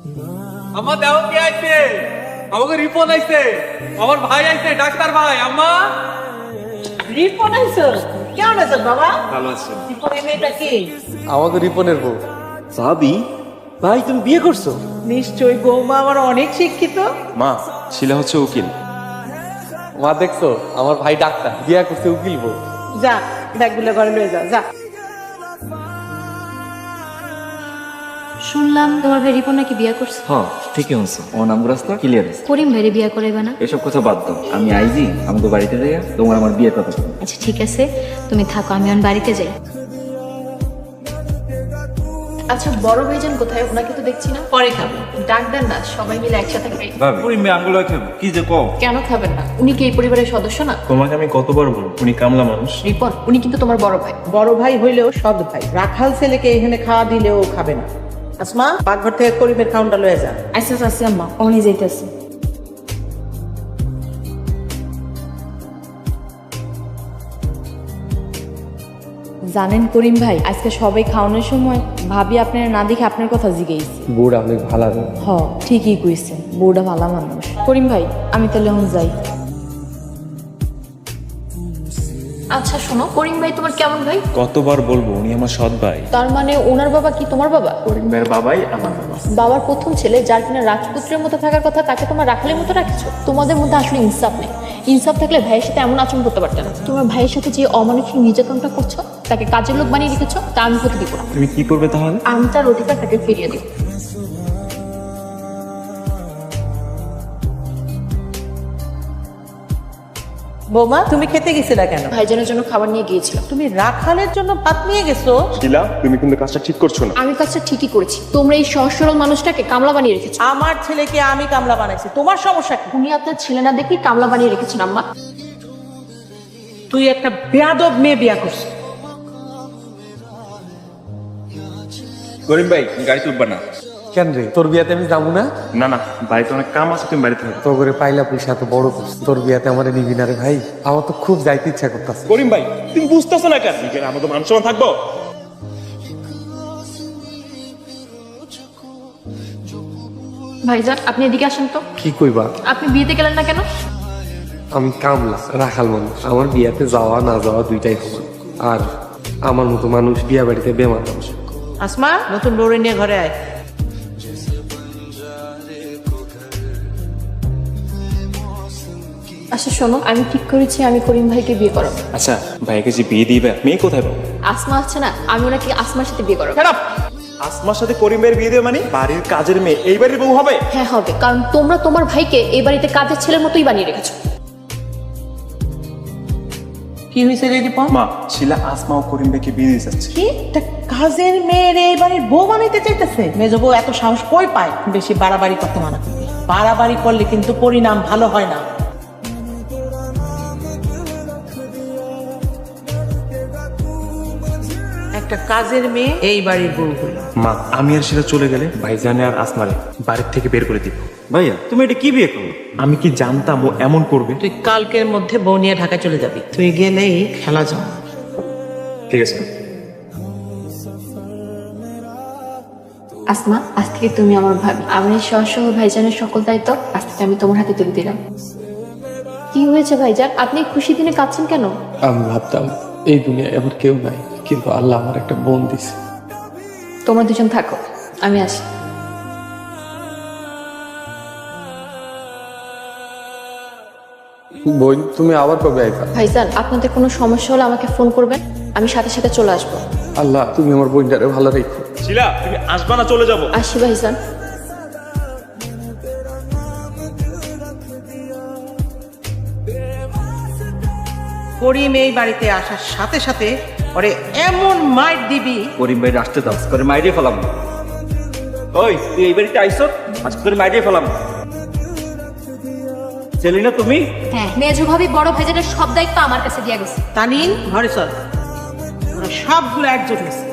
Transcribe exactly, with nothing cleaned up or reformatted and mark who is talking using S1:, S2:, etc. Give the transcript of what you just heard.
S1: আম্মা দেও কে আইছে? আমাকে রিপন আইছে, আমার ভাই আইছে, ডাক্তার ভাই। আম্মা
S2: রিপন আইছো? কেমন আছো বাবা?
S1: ভালো আছে।
S2: রিপনের মেয়েটা কি?
S1: আমাদের রিপনের বউ। ভাবি, ভাই তুমি বিয়ে করছো?
S2: নিশ্চয়ই বৌমা আমার অনেক শিক্ষিত।
S3: মা, শিলা হচ্ছে উকিল।
S1: মা দেখছো, আমার ভাই ডাক্তার, বিয়ে করছে উকিল বউ।
S2: যা ব্যাগগুলো ঘরে লয়ে যা যা।
S4: শুনলাম তোমার ভাই রিপন নাকি বিয়ে করছে।
S5: হ্যাঁ ঠিকই হচ্ছে, আমার নাম রাস্তা ক্লিয়ার আছে।
S4: করিম ভাইরে বিয়ে করাইবে না?
S5: এসব কথা বাদ দাও, আমি আইজি আমাকে বাড়িতে যাইয়া তোমার আমার বিয়ের কথা বলবো।
S4: আচ্ছা ঠিক আছে, তুমি থাকো, আমি এখন বাড়িতে যাই। আচ্ছা বড় ভাইজান কোথায়? ওনাকে তো দেখছি না।
S2: পরে খাবো।
S4: ডাক দেন না, সবাই মিলে একসাথে খাই।
S3: ভাবি পুরি মেয়ে আঙ্গুলো খাবো কি যে কও।
S4: কেন খাবেন না? উনি কি এই পরিবারের সদস্য না?
S3: তোমাকে আমি কতবার বলবো উনি কামলা মানুষ।
S4: রিপন উনি কিন্তু তোমার বড় ভাই।
S2: বড় ভাই হইলেও সৎ ভাই। রাখাল ছেলেকে এখানে খাওয়া দিলেও খাবে না। আসমা পাকঘর থেকে করিমের খাউনটা লয়ে যা।
S4: আচ্ছা আচ্ছা আম্মা, অনি যাইতেছে।
S6: জানেন করিম ভাই, আজকে সবাই খাওয়ানোর সময় ভাবি আপনার না দেখে আপনার কথা জিজ্ঞেস।
S1: বউটা অনেক ভালো।
S6: হ ঠিকই কইছেন, বউটা ভালো মানুষ। করিম ভাই আমি তাহলে এখন যাই।
S4: আচ্ছা শোনো, করিম ভাই তোমার কেমন ভাই?
S3: কতবার বলবো উনি আমার সৎ ভাই।
S4: তার মানে ওনার বাবা কি তোমার বাবা?
S3: করিম ভাইয়ের বাবাই আমার বাবা।
S4: বাবার প্রথম ছেলে, যার কিনা রাজপুত্রের মতো থাকার কথা, তাকে তোমার রাখালের মতো রাখছো। তোমাদের মধ্যে আসলে ইনসাফ নেই। ইনসাফ থাকলে ভাইয়ের সাথে এমন আচরণ করতে পারতে না। তোমার ভাইয়ের সাথে যে অমানসিক নির্যাতনটা করছো, তাকে কাজের লোক বানিয়ে রেখেছো, তা আমি হতে দিব না।
S3: তুমি কি করবে তাহলে?
S4: আমি তার অধিকার তাকে ফিরিয়ে দিব।
S2: বৌমা তুমি খেতে গেছিলা কেন?
S4: ভাইজানের জন্য খাবার নিয়ে গিয়েছিলাম।
S2: তুমি রাখালের জন্য ভাত নিয়ে গেছো?
S3: শিলা তুমি কিন্তু কাজটা ঠিক করছো না।
S4: আমি কাজটা ঠিকই করেছি। তোমরা এই সহজ সরল মানুষটাকে কামলা বানিয়ে রেখেছো।
S2: আমার ছেলেকে আমি কামলা বানাইছি, তোমার সমস্যা কি?
S4: উনি আপনার ছেলে না দেখেই কামলা বানিয়ে রেখেছেন আম্মা।
S2: তুই একটা বেয়াদব মেয়ে বিয়া করছিস।
S3: করিম ভাই গাড়ি তুলবা না।
S1: কেন রে, তোর বিয়াতে আমি যাবো না?
S3: না না, বাড়িতে অনেক কাম আছে, তুমি বাড়িতে থাকো।
S1: তো করে পাইলা পয়সা এত বড় করছিস, তোর বিয়াতে আমার নিবি না রে ভাই? আমার তো খুব যাইতে ইচ্ছা করতেছে।
S3: করিম ভাই তুমি বুঝতেছো না কেন? এখানে আমাদের মান সম্মান থাকবো।
S4: ভাইজান আপনি এদিকে আসেন তো।
S1: কি কইবা?
S4: আপনি বিয়েতে গেলেন না কেন?
S1: আমি কামলা রাখাল মানুষ, আমার বিয়াতে যাওয়া না যাওয়া দুইটাই সমান। আর আমার মতো মানুষ বিয়া বাড়িতে বেমার মানুষ।
S2: আসমা নতুন বউরে নিয়ে ঘরে আয়।
S4: আচ্ছা শোনো, আমি ঠিক করেছি আমি করিম ভাইকে বিয়ে করাবো।
S3: আচ্ছা ভাইকে যে বিয়ে দিবে, মেয়ে কোথায় পাবো?
S4: আসমা আছে না, আমি ওনাকে আসমার সাথে বিয়ে করাবো।
S3: আসমার সাথে করিম ভাইয়ের বিয়ে দেবে মানে? বাড়ির কাজের মেয়ে এই বাড়ির বউ হবে?
S4: হ্যাঁ হবে, কারণ তোমরা তোমার ভাইকে এই বাড়িতে কাজের ছেলের মতোই বানিয়ে রেখেছো।
S2: কি হয়েছে রে দীপন?
S3: মা, শিলা আসমা ও করিম ভাইকে বিয়ে দিয়ে যাচ্ছে।
S2: কি একটা কাজের মেয়ের এই বাড়ির বউ বানাইতে চাইতেছে? মেজ বউ এত সাহস কই পায়? বেশি বাড়াবাড়ি করতে মানা করবি। বাড়াবাড়ি করলে কিন্তু পরিণাম ভালো হয় না। একটা কাজের মেয়ে এই বাড়ির বউ হলো।
S3: মা, আমি আর শিলা চলে গেলে ভাইজানে আর আসমারে বাড়ির থেকে বের করে দিব।
S5: ভাইয়া তুমি এটা কি বিয়ে করলো?
S3: আমি কি জানতাম ও এমন করবে?
S2: তুই কালকের মধ্যে বউ নিয়ে ঢাকা চলে যাবি। তুই গেলেই খেলা যাও।
S3: ঠিক আছে।
S4: আসমা আজ থেকে তুমি আমার ভাবি। আমি সহ ভাইজানের সকল দায়িত্ব আজ থেকে আমি তোমার হাতে তুলে দিলাম। কি হয়েছে ভাইজান, আপনি খুশি দিনে কাঁদছেন কেন?
S1: আমি ভাবতাম এই দুনিয়ায় আমার কেউ নাই, কিন্তু আল্লাহ আমার একটা বোন দিছে।
S4: তোমরা দুজন থাকো, আমি আসি।
S1: বোন তুমি আবার কবে আইবা?
S4: ভাইজান আপনাদের কোনো সমস্যা হলে আমাকে ফোন করবেন, আমি সাথে সাথে চলে আসবো।
S1: আল্লাহ তুমি আমার বোনটারে ভালো রেখো।
S3: শিলা তুমি আসবা না, চলে যাবো।
S4: আসি ভাইজান।
S2: করিম এই বাড়িতে আসার সাথে সাথে ওরে এমন মাইর দিবি।
S5: করিম ভাই আসতে দাও, করে মাইরিয়ে ফেলাম। ওই তুই এই বাড়িতে আইসো, আজ করে মাইরিয়ে ফেলাম। চেলি না তুমি?
S4: হ্যাঁ, মেজো ভাবি বড় ভাইজানের সব দায়িত্ব আমার কাছে দিয়ে গেছে।
S2: তানিন ঘরে চল, ওরা সবগুলো একজোট হয়েছে।